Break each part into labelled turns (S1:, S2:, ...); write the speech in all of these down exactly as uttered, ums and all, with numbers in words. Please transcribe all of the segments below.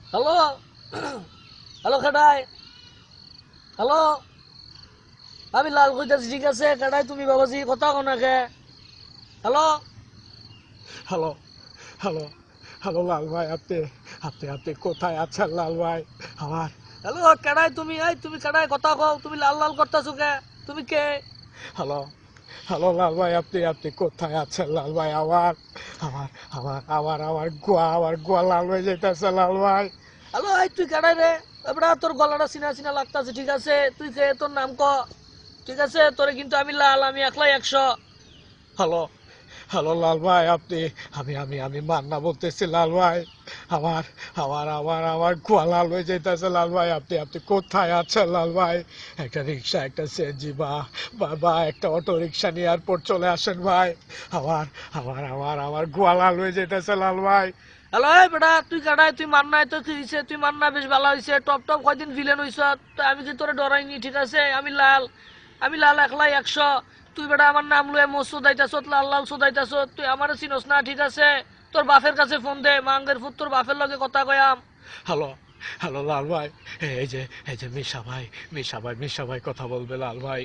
S1: Hello hello কাটাই, hello, আমি লাল কইতাছি। ঠিক আছে কাটাই, তুমি বাবাজি কথা কো না কে? হ্যালো
S2: হ্যালো হ্যালো হ্যালো লাল ভাই, আপনি আপনি আপনি কোথায় আছেন লাল ভাই? আমার
S1: হ্যালো কাটাই, তুমি এই তুমি কাটাই কথা কও, তুমি লাল লাল করতেছো কে? তুমি কে?
S2: হ্যালো হ্যালো লাল ভাই, আপনি আপনি কোথায় আছেন লাল ভাই? আমার আমার আমার আমার আমার গোয়া আমার গোয়া লাল হয়ে যেতেছে লাল ভাই।
S1: হ্যালো এই তুই কাটাই রে? এবার তোর গলাটা চিনা চিনা লাগতাছে। ঠিক আছে তুই কে? তোর নাম ক। ঠিক আছে তোরে কিন্তু আমি লাল, আমি একলাই একশো।
S2: হ্যালো হ্যালো লাল ভাই, আপনি আমি আমি আমি মান্না বলতেছি লাল ভাই। আমার আমার আমার আমার গোয়া লাল হয়ে যেতেছে লাল ভাই। আপনি আপনি কোথায় আছেন লাল ভাই? একটা রিক্সা, একটা সিএনজি বা বা বা একটা অটো রিক্সা নিয়ে এয়ারপোর্ট চলে আসেন ভাই। আমার আমার আমার আমার গোয়া লাল হয়ে যেতেছে লাল ভাই।
S1: হ্যালো এই বেটা, তুই কাটাই, তুই মার নাই তো কি হয়েছে? তুই মার না, বেশ ভালো হয়েছে। টপ টপ কয়দিন ভিলেন হইছ, তো আমি কি তোরে ডরাইনি? ঠিক আছে আমি লাল, আমি লাল একলাই একশো। তুই বেটা আমার নাম লয়ে মোস সোদাইতাছ, লাল লাল সোদাইতাছ, তুই আমার চিনস না। ঠিক আছে তোর বাপের কাছে ফোন দে, মাঙ্গের ফুট তোর বাপের লগে কথা কয়াম।
S2: হ্যালো হ্যালো লাল ভাই, এই যে এই যে মিশা ভাই, মিশা ভাই মিশা ভাই কথা বলবে লাল ভাই।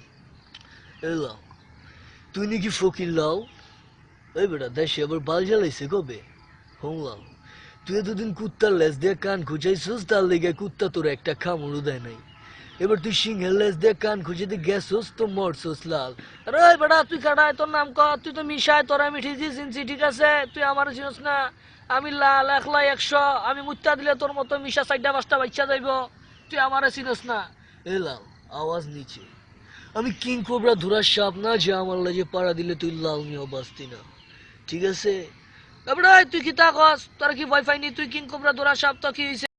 S1: এই লাও, তুই নাকি ফকির লাও? ওই বেটা দেশে আবার বাল জ্বালাইছে কবে? শুনলাম তুই এতদিন কুত্তার লেজ দিয়ে কান খুঁজাইছিস, তার লেগে কুত্তা তোর একটা কামড়ও দেয় নাই। এবার তুই সিংহের লেজ দিয়ে কান খুঁজে গেছোস তো মরছোস লাল। আরে ওই বেটা তুই কাটায়, তোর নাম ক। তুই তো মিশায়, তোর আমি ঠিকই চিনছি। ঠিক আছে তুই আমার চিনস না। আমি লাল একলাই একশো, আমি মুত্তা দিলে তোর মতো মিশা চারটা পাঁচটা বাচ্চা যাইব। তুই আমারে চিনস না। এ লাল, আওয়াজ নিচে। আমি কিং কোবরা ধরার সাপ না যে আমার লাগে পাড়া দিলে তুই লাল নিয়েও বাঁচতি না। ঠিক আছে এবার তুই কি তা কস? তোর কি ভয় পাইনি? তুই কিং কোবরা ধরার সাপ তো কি হয়েছে?